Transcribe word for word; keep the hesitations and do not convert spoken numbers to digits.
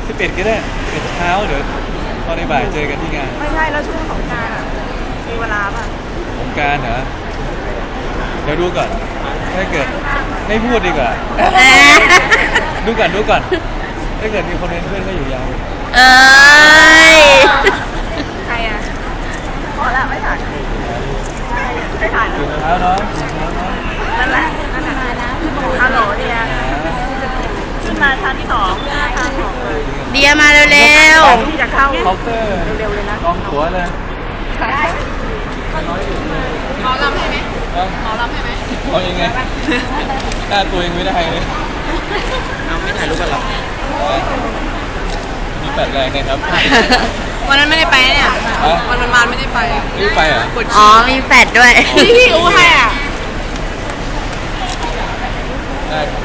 สิบเอ็ดก็ได้สิบเอ็ดเช้าเดี๋ยวตอนในบ่ายเจอกันที่งานไม่ใช่แล้วช่วงสงกรานต์อ่ะมีเวลาป่ะผมการเหรอเดี๋ยวดูก่อนถ้าเกิดไม่พูดดีกว่า ดูก่อนดูก่อนถ้าเกิดมีคนเป็นเพื่อนก็อยู่ยาวเอ้ยใครอ่ะพอละไม่ถ่ายไม่ถ่ายถึงเช้าเนาะถึงเช้าเนาะนั่นแหละนั่นแหละฮัลโหลเดียขึ้นมาชั้นที่สองทางของเลยเดียมาเร็วที่จะเข้าเคาน์เตอร์เร็วๆเลยนะกองตั๋วเลยหมอลำให้ไหมเอาหมอลำให้ไหมเอายังไงกล้าตัวเองไม่ได้เลยเอาไม่ถ่ายรูปกันหรอมีแปดแรงนะครับวันนั้นไม่ได้ไปเนี่ยฮะวันมันมาไม่ได้ไปไม่ไปเหรอๆ อ๋อ มีแฟดด้วยพี่พี่อู้ให้อ่ะได้ครับ